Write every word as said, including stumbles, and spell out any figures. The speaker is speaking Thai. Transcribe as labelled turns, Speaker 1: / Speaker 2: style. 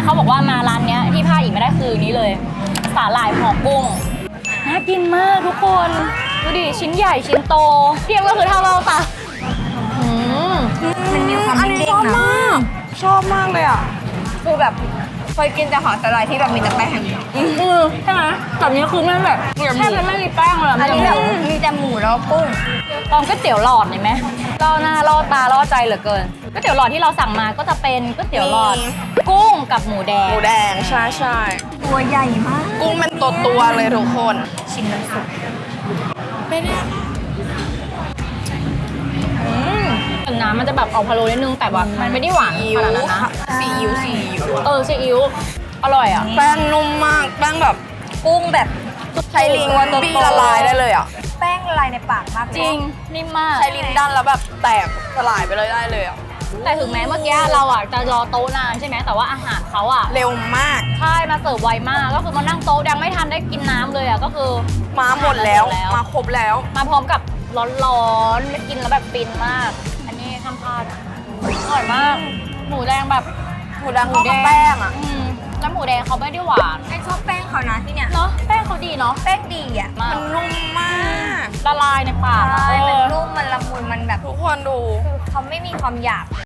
Speaker 1: เขาบอกว่ามาร้านเนี้ยที่พลาดอีกไม่ได้คือนี้เลยสาหร่ายห่อกุ้งน่ากินมากทุกคนดูดิชิ้นใหญ่ชิ้นโตเทียบก็คือเท่าเราปะอืม
Speaker 2: มันมีความเด้งๆนะ
Speaker 3: ชอบมากเลยอ่ะ
Speaker 2: คือแบบเคยกินแต่หอสลายที่แบบมีแต่แป้ง
Speaker 1: อืมใช่ไหมแบบนี้คือมันแบบแทบจะไม่มีแป้งเลย
Speaker 2: อันนี้แบบมีแต่หมูแล้วก็กุ้ง
Speaker 1: ตอนก๋วยเตี๋ยวหลอดเห็นไหมล่อหน้าล่อตาล่อใจเหลือเกินก๋วยเตี๋ยวหลอดที่เราสั่งมาก็จะเป็นก๋วยเตี๋ยวหลอด
Speaker 3: มี
Speaker 1: กุ้งกับหมูแด
Speaker 3: ห
Speaker 1: ง
Speaker 3: มูแดงใช่ใช่
Speaker 2: ตัวใหญ่มาก
Speaker 3: กุ้งเป็นตัวตัวๆเลยทุกคน
Speaker 2: ชิ้นน้ำซุป
Speaker 3: ไม่ได้
Speaker 1: อืมแต่น้ำมันจะแบบออกพะโล้นิดนึงแต่ว่ามันไม่ได้หวาน
Speaker 3: อิ๊
Speaker 1: ข
Speaker 3: ว
Speaker 1: นาดนั้นนะ
Speaker 3: ซีอิ๊วซีอิ๊ว
Speaker 1: เออซีอิ๊วอร่อยอ่ะ
Speaker 3: แป้งนุ่มมากแป้งแบบ
Speaker 2: กุ้งแบบ
Speaker 3: ใช้ลิ้น
Speaker 2: ตัวโตๆ
Speaker 3: บี้ละลายได้เลยอ่ะ
Speaker 2: แป้งละลายในปากมากเลย
Speaker 1: จริงนิ่มมาก
Speaker 3: ใช้ลิ้นด้านแล้วแบบแตกสลายไปเลยได้เลยอ่ะ
Speaker 1: แต่ถึงแม้เมื่อกี้เราอ่ะจะรอโต๊ะนานใช่ไหมแต่ว่าอาหารเขาอ่ะ
Speaker 3: เร็วมาก
Speaker 1: ใช่มาเสิร์ฟไวมากก็คือมานั่งโต๊ะยังไม่ทันได้กินน้ำเลยอ่ะก็คือ
Speaker 3: มาหมดแล้ว
Speaker 1: หมดแล้ว
Speaker 3: มาครบแล้ว
Speaker 1: มาพร้อมกับร้อนๆไม่กินแล้วแบบฟินมาก อันนี้ห้ามพลาดอร่อยมาก หมูแดงแบบ
Speaker 3: หมูแดงเข้ากับแป้งอ่ะ
Speaker 1: อืมแล้วหมูแดงเขาไม่ได้หวาน
Speaker 2: ไอชอบแป้งเขานะที่เนี่ย
Speaker 1: เนาะแป้งเขาดีเนาะ
Speaker 2: แป้งดีอ่ะ
Speaker 1: มา
Speaker 3: มั
Speaker 1: ก
Speaker 3: นนุ่มมาก
Speaker 1: ละลายในปากอะ
Speaker 2: ใช่
Speaker 1: เอ
Speaker 2: มัน
Speaker 1: อ
Speaker 2: นุ่มมันละมุนมันแบบ
Speaker 3: ทุกคนดู
Speaker 2: คือเขาไม่มีความหยาบ